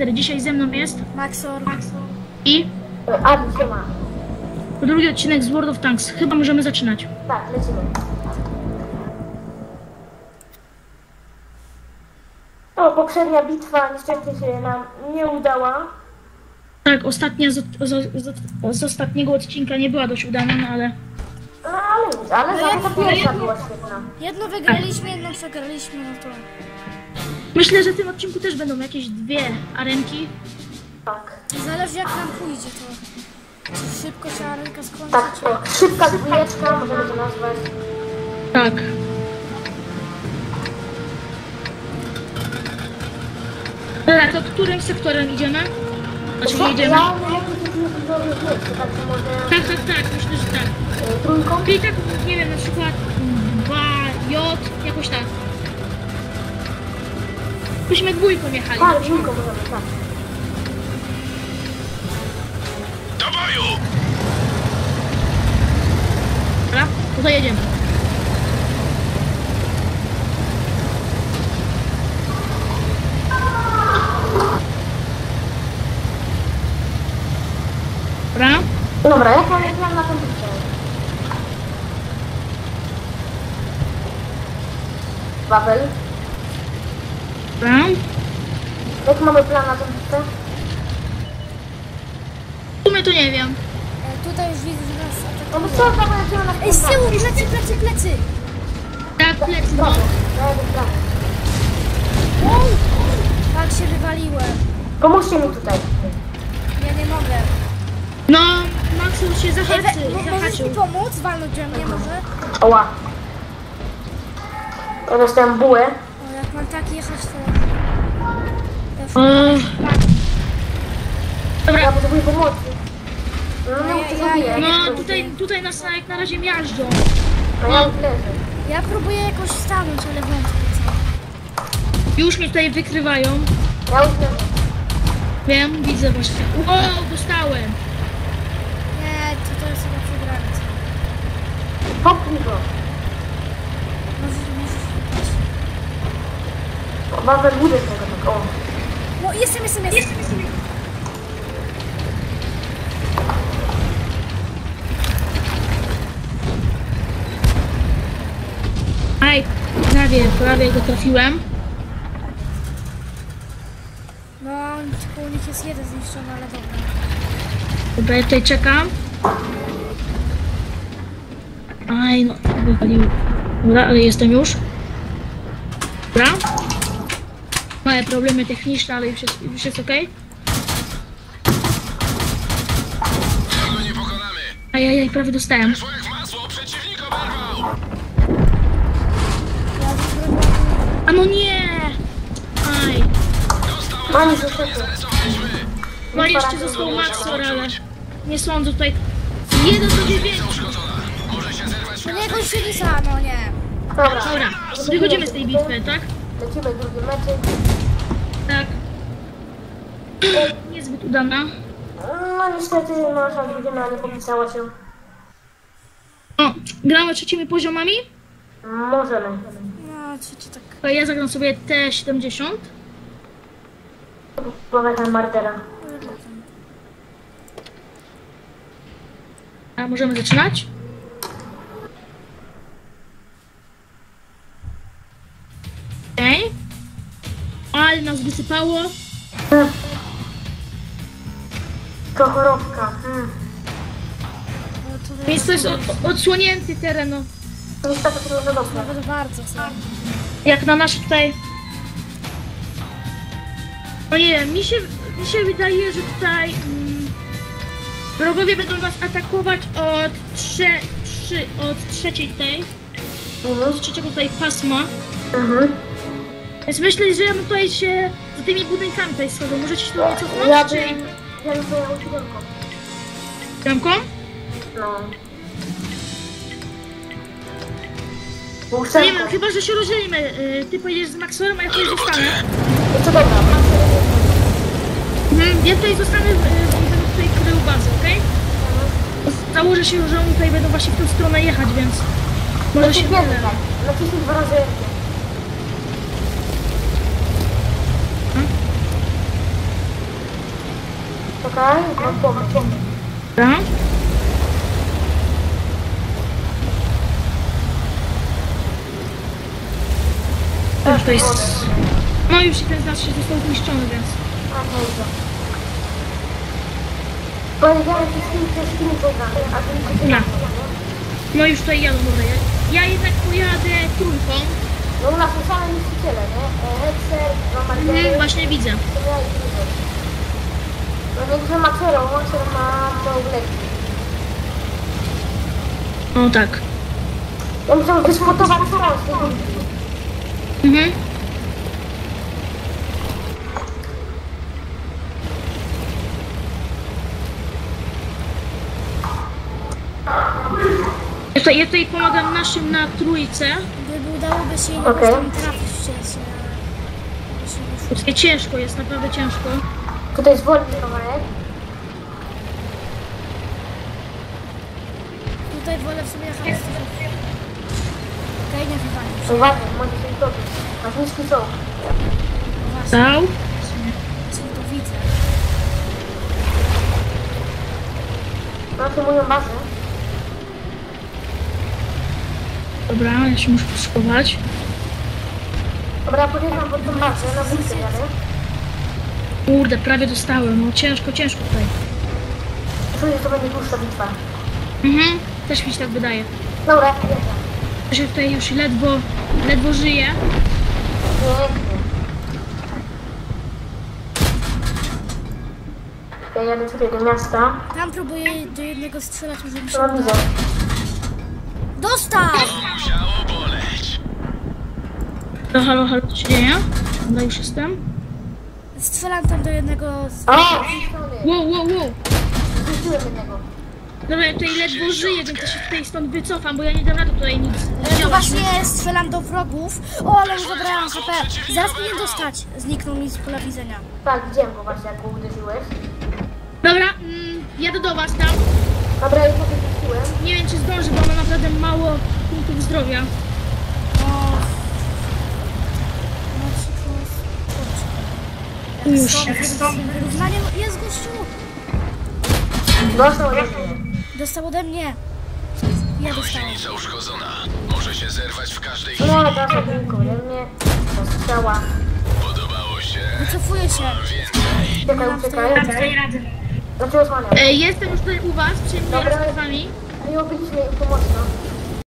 4. Dzisiaj ze mną jest Maxor. i Adi się ma. drugi odcinek z World of Tanks. Chyba możemy zaczynać. Tak, lecimy. O, poprzednia bitwa niestety się nam nie udała. Tak, ostatnia z ostatniego odcinka nie była dość udana, no ale... No, ale za to pierwsza była świetna. Jedno wygraliśmy, jedno przegraliśmy, no to... Myślę, że w tym odcinku też będą jakieś 2 arenki. Tak. Zależy jak nam pójdzie to. Czy szybko się arenka skończy, Tak, czy... tak. Szybka dwójeczka, możemy to nazwać. Tak. Dobra, to którym sektorem idziemy? Znaczy nie idziemy? Ja mam jakieś miejsce, tak to może... Tak, myślę, że tak. Trójką? Czyli tak, nie wiem, na przykład 2J, jakoś tak. Byśmy dwójką jechali. Tak, trójką możemy, tak. Do boju! Dobra, to jedziemy. Dobra. Dobra, jak mamy plan na ten bitwę? Wawel? Dobra. Jak mamy plan na tę bitwę? W sumie to nie wiem. Tutaj już widzę, że nas No bo atakują. co, tam lecimy na Ej, z tyłu, plecy! Tak, plecy, no. Brawo, brawo. Tak się wywaliłem. Pomóżcie mi tutaj. Ja nie mogę. No, Maxus się Ej, możesz zahaczył. mi pomóc? Walnąć we mnie może? Oła. Ja dostałem bułę. O, jak mam tak jechać, to... O, Ja dobra, potrzebuję pomocy. No nie Ja- wiem, co ja- zrobię. no tutaj nas jak na razie miażdżą. No ja już leżę. Ja próbuję jakoś stanąć, ale wątpię co. Już mnie tutaj wykrywają. Ja już leżę. Wiem, widzę właśnie. Wow, dostałem. Nie, to jest chyba przegrane. Popnij go. Możesz wypaść. Wawel budę tego tak, o. No, jestem. Aj, prawie go trafiłem. No, tylko u nich jest jeden zniszczony, ale dobra. Dobra, ja tutaj czekam. Aj, no, wywalił. Dobra, ale jestem już. Dobra. Małe problemy techniczne, ale już jest okej. Tego nie pokonamy! Ajajaj, prawie dostałem. Szło jak w masło, przeciwnik oberwał! Ja wygrywam. A no nie! Aj. Mani zostały. Zarysowaliśmy! No jeszcze został Maxor, ale nie sądzę tutaj. 1 do 9. Uszkodzona! Może się zerwać To nie jakoś się wisa, no nie. Dobra. Dobra, wychodzimy z tej bitwy, tak? Lecimy drugi meczek. Tak. Niezbyt udana. No niestety nasza drużyna nie popisała się. O, gramy trzecimi poziomami. Możemy. No, trzeci tak. To ja zagram sobie T70. Powiadam Martera. A możemy zaczynać? Okej. Ale nas wysypało. To chorobka. No, to Więc to jest odsłonięty teren, no. Niestety to za dobrze. nawet bardzo co. Jak na nasze tutaj... No nie wiem, mi się wydaje, że tutaj... wrogowie będą was atakować od trzeciej tej... Mhm. z trzeciego tutaj pasma. Mhm. Więc myślę, że ja bym tutaj się za tymi budynkami tutaj schodzą. Możecie się do mnie cofnąć, Ja czy... bym pojechał siódemką. Siódemką? No. Nie Ósemką. wiem, chyba, że się rozdzielimy. Ty pojedziesz z Maxorem, a ja tutaj zostanę. Jest to dobra. Ja tutaj zostanę, będę tutaj krył bazę, okej? Założę się, że oni tutaj będą właśnie w tę stronę jechać, więc... Może się... Naciśnij tak. Naciśnij 2 razy. Czekaj, mam pomysł. Dobra. Już to jest... No już ten z nas się został zniszczony, więc... A, dobrze. Powiedziałem wszystkim programy, a ty mi Nie. No już tutaj jadą, dobra. Ja jednak pojadę trójką. No u nas są same niszczyciele, nie? Hexer, Margery, Właśnie widzę. to ja i Grzyber. No niektórzy ma Cero, Monster ma Małgleki. O tak. Ja muszę wyspotować Cero z tego. Mhm. Ja tutaj pomagam naszym na trójce. Gdyby udałoby się jakoś Okej. tam trafić wcześniej, ale się nie szło. Tutaj ciężko jest, naprawdę ciężko. Tutaj jest wolny kawałek. Tutaj wolę w sumie jechać z tym. Okej, nie wywalił się. Uważaj, może się utopić. Masz niski czołg. Właśnie, Dał. to widzę. Macie moją bazę. Dobra, ja się muszę schować. Dobra, podjeżdżam pod tą bazę, na budkę jadę. Kurde, prawie dostałem. No ciężko tutaj. Czuję, że to będzie dłuższa bitwa. Mhm. Też mi się tak wydaje. Dobra, jedę. Ja się tutaj już ledwo żyję. Pięknie. Ja jadę tutaj do miasta. Tam próbuję do jednego strzelać, może mi się No uda. widzę. Dostał! Musiało boleć. No, halo, co się dzieje? Dobra, już jestem. Strzelam tam do jednego z... O! Zniszczony. Wow. Zniszczyłem jednego. Dobra, ja tutaj ledwo żyję, więc ja się tutaj stąd wycofam, bo ja nie dam rady tutaj nic To działać. właśnie strzelam do wrogów. O, ale już zabrałam HP. Zaraz mnie dostać. Zniknął mi z pola widzenia. Tak, widziałem go właśnie, jak go uderzyłeś. Dobra, jadę do was tam. Dobra, ja go wyrzuciłem. Nie wiem, czy zdążę, bo mam naprawdę mało punktów zdrowia. O. Już. Wyrównaniem jest gościu. Dostał ode mnie. Dostał ode mnie. Ja dostałem. Gąsienica uszkodzona. Może się zerwać w każdej chwili. No, dostał tylko ode mnie. Zastrzała. Podobało się. Wycofuję się. Więcej. Uciekaj. Znaczy osłaniam. Jestem już tutaj u was, przyjmuję Dobra. z wami. Nie obyliśmy im to mocno.